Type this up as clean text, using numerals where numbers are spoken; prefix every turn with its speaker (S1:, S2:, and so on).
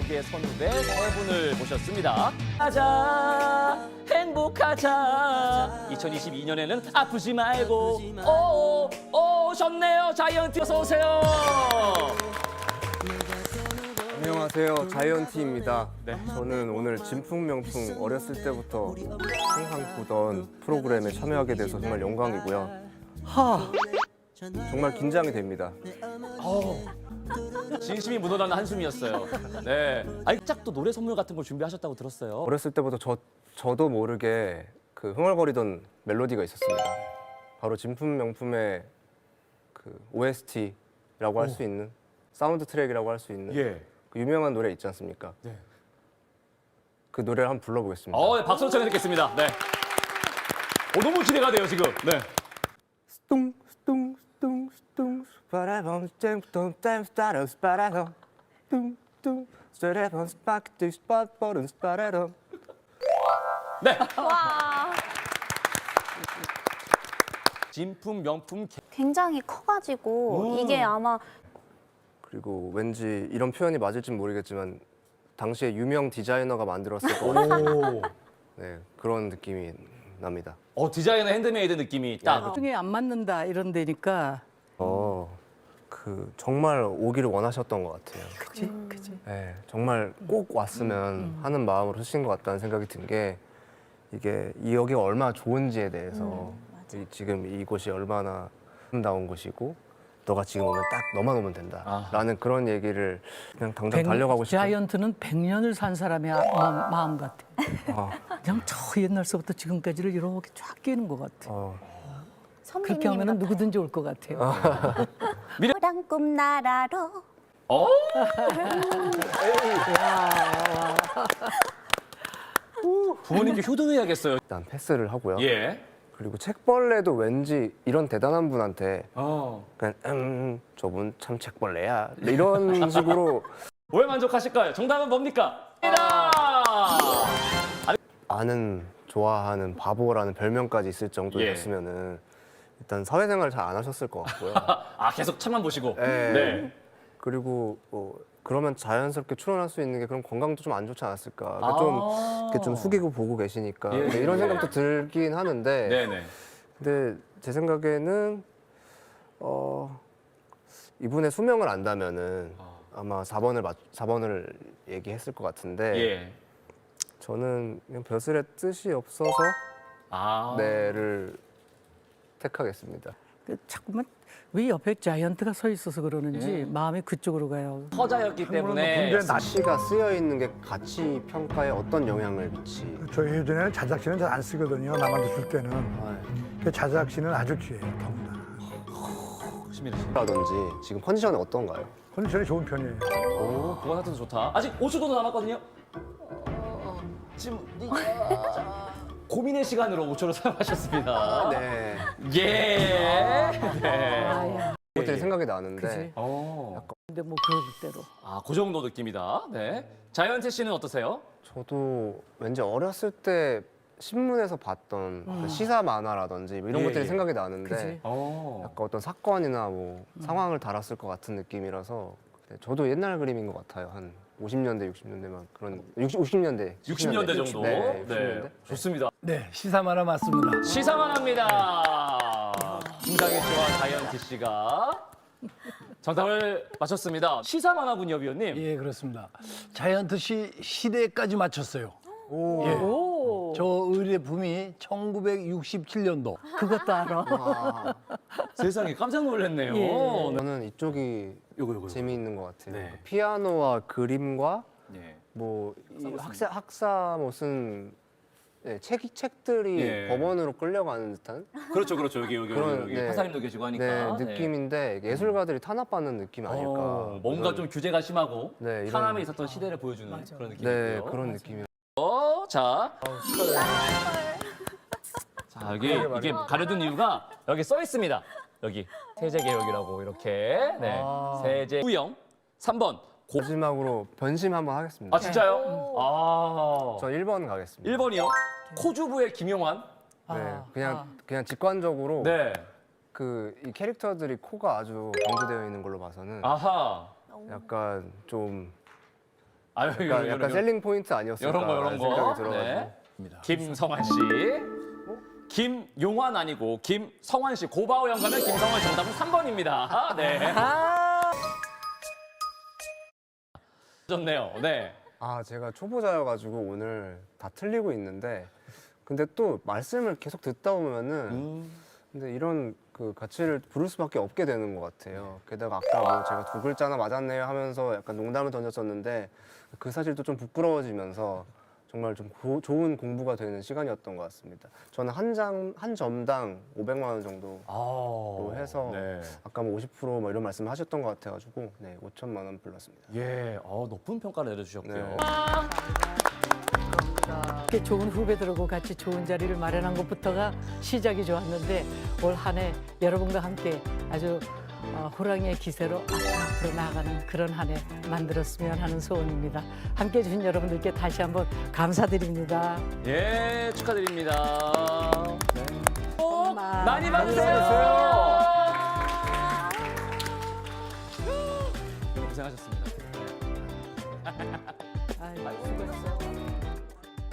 S1: 함께 선후배 세 분을 모셨습니다. 가자, 행복하자. 2022년에는 아프지 말고 오셨네요. 자이언티 어서 오세요.
S2: 안녕하세요, 자이언티입니다.
S1: 네.
S2: 저는 오늘 진풍명풍 어렸을 때부터 항상 보던 프로그램에 참여하게 돼서 정말 영광이고요. 정말 긴장이 됩니다.
S1: 진심이 묻어나는 한숨이었어요. 네. 짝도 노래 선물 같은 걸 준비하셨다고 들었어요.
S2: 어렸을 때부터 저도 모르게 그 흥얼거리던 멜로디가 있었습니다. 바로 진풍명품의 그 OST라고 할 수 있는, 사운드 트랙이라고 할 수 있는
S1: 예.
S2: 그 유명한 노래 있지 않습니까?
S1: 네.
S2: 그 노래를 한번 불러보겠습니다.
S1: 네, 박수로 청해 듣겠습니다. 네. 너무 기대가 돼요, 지금. 네.
S2: 스tung 스tung 스tung 스tung 스파라밤 잼뚱 잼 스타러 스파라밤 뚱뚱 스타라밤 스파크트 스팟버른 스파라밤.
S1: 네. 진품 명품
S3: 굉장히 커가지고 이게 아마
S2: 그리고 왠지 이런 표현이 맞을지 모르겠지만 당시에 유명 디자이너가 만들었을 것 같은 네, 그런 느낌이 납니다.
S1: 디자이너 핸드메이드 느낌이 딱.
S4: 중에 안 맞는다 이런 데니까.
S2: 그 정말 오기를 원하셨던 것 같아요.
S4: 그치, 그치.
S2: 네, 정말 꼭 왔으면 하는 마음으로 쓰신 것 같다는 생각이 든 게 이게 이 여기가 얼마나 좋은지에 대해서 지금 이곳이 얼마나 아름다운 곳이고 너가 지금 오면 딱 너만 오면 된다라는 그런 얘기를 그냥 당장 달려가고 싶은.
S4: 자이언트는 100년을 산 사람의 마음 같아. 그냥 저 옛날서부터 지금까지를 이렇게 쫙 끼는 것 같아. 그렇게
S3: 선배님
S4: 하면 누구든지 올 것 같아요.
S3: 노란 꿈나라로
S1: 부모님께 효도해야겠어요.
S2: 일단 패스를 하고요.
S1: 예.
S2: 그리고 책벌레도 왠지 이런 대단한 분한테 그냥 저분 참 책벌레야 이런 식으로
S1: 왜 만족하실까요? 정답은 뭡니까?
S2: 아는 좋아하는 바보라는 별명까지 있을 정도였으면은 일단 사회생활 잘 안 하셨을 것 같고요.
S1: 계속 책만 보시고.
S2: 네.
S1: 네.
S2: 그리고 그러면 자연스럽게 출연할 수 있는 게 그럼 건강도 좀 안 좋지 않았을까. 그러니까 좀 이렇게 좀 숙이고 보고 계시니까
S1: 예.
S2: 이런 생각도 들긴 하는데.
S1: 네네.
S2: 근데 제 생각에는 이분의 수명을 안다면은 아마 4번을 얘기했을 것 같은데
S1: 예.
S2: 저는 그냥 벼슬의 뜻이 없어서 네를 택하겠습니다.
S4: 자꾸만 왜 옆에 자이언트가 서 있어서 그러는지 마음이 그쪽으로 가요.
S1: 허자였기 때문에.
S2: 시가 쓰여 있는 게 가치 평가에 어떤 영향을 미치?
S5: 저희 예전에는 자작시는 잘 안 쓰거든요. 남한테 줄 때는. 그 자작시는 아주 귀해요. 더군다나.
S2: 라든지 지금 컨디션이 어떤가요?
S5: 컨디션이 좋은 편이에요.
S1: 그건 하여튼 좋다. 아직 5초도 남았거든요. 지금 고민의 시간으로 5초를 사용하셨습니다.
S2: 네.
S1: 예. 네.
S2: 그것들이 생각이 나는데
S4: 그치. 근데 뭐 그럴 대로.
S1: 그 정도 느낌이다. 네. 자이언티 씨는 어떠세요?
S2: 저도 왠지 어렸을 때 신문에서 봤던 그 시사 만화라든지 뭐 이런
S1: 예,
S2: 것들이
S1: 예.
S2: 생각이 나는데
S4: 그치.
S2: 약간 어떤 사건이나 뭐 상황을 달았을 것 같은 느낌이라서 저도 옛날 그림인 것 같아요. 한 50년대, 60년대만 그런 50년대,
S1: 60년대 정도.
S2: 네, 60년대.
S1: 좋습니다.
S5: 네, 시사만화 맞습니다.
S1: 시사만 합니다. 김상희 씨와 자이언티 씨가 정답을 맞췄습니다. 시사만 하군요, 위원님.
S5: 예, 그렇습니다. 자이언트 씨 시대까지 맞췄어요. 예. 저 의뢰 붐이 1967년도.
S4: 그것도 알아.
S1: 세상에 깜짝 놀랐네요.
S4: 예.
S2: 저는 이쪽이
S1: 요거.
S2: 재미있는 것 같아요.
S1: 네.
S2: 그러니까 피아노와 그림과
S1: 네.
S2: 뭐 학사 무슨 책들이
S1: 예.
S2: 법원으로 끌려가는 듯한
S1: 그렇죠. 여기
S2: 그런, 네.
S1: 판사님도 계시고 하니까.
S2: 느낌인데 예술가들이 탄압받는 느낌 아닐까.
S1: 뭔가 좀 규제가 심하고
S2: 네, 이런-
S1: 탄압에 있었던 시대를 보여주는 그런 느낌이고요.
S2: 네, 그런 느낌이.
S1: 자, 여기 이게 가려둔 이유가 여기 써 있습니다. 여기 세제개혁이라고 이렇게 세제 후영 3번
S2: 마지막으로 변심 한번 하겠습니다.
S1: 진짜요?
S2: 저 1번 가겠습니다.
S1: 1번이요. 코주부의 김용환.
S2: 네, 그냥 직관적으로
S1: 네.
S2: 이 캐릭터들이 코가 아주 강조되어 있는 걸로 봐서는
S1: 아하.
S2: 약간 좀
S1: 아유,
S2: 약간 셀링 포인트 아니었을까
S1: 이런 거.
S2: 생각이 들어가지고.
S1: 네. 김성환 씨. 김용환 아니고 김성환 씨. 고바오 형 가면 김성환 정답은 3번입니다. 네. 좋네요. 네.
S2: 아, 제가 초보자여가지고 오늘 다 틀리고 있는데, 근데 또 말씀을 계속 듣다 보면은, 근데 이런 그 가치를 부를 수밖에 없게 되는 것 같아요. 게다가 아까 뭐 제가 두 글자나 맞았네요 하면서 약간 농담을 던졌었는데, 그 사실도 좀 부끄러워지면서 정말 좀 좋은 공부가 되는 시간이었던 것 같습니다. 저는 한 점당 500만 원 정도 해서
S1: 네.
S2: 아까 뭐 50% 뭐 이런 말씀을 하셨던 것 같아가지고 네, 5천만 원 불렀습니다.
S1: 예, 높은 평가를 내려주셨고요.
S2: 네.
S4: 이렇게 좋은 후배들하고 같이 좋은 자리를 마련한 것부터가 시작이 좋았는데 올 한 해 여러분과 함께 아주 호랑이의 기세로 앞으로 나아가는 그런 한 해 만들었으면 하는 소원입니다. 함께해 주신 여러분들께 다시 한번 감사드립니다.
S1: 예, 축하드립니다. 네. 복
S3: 많이
S1: 많이 받으세요. 고생하셨습니다.
S4: 아유, 수고했어요.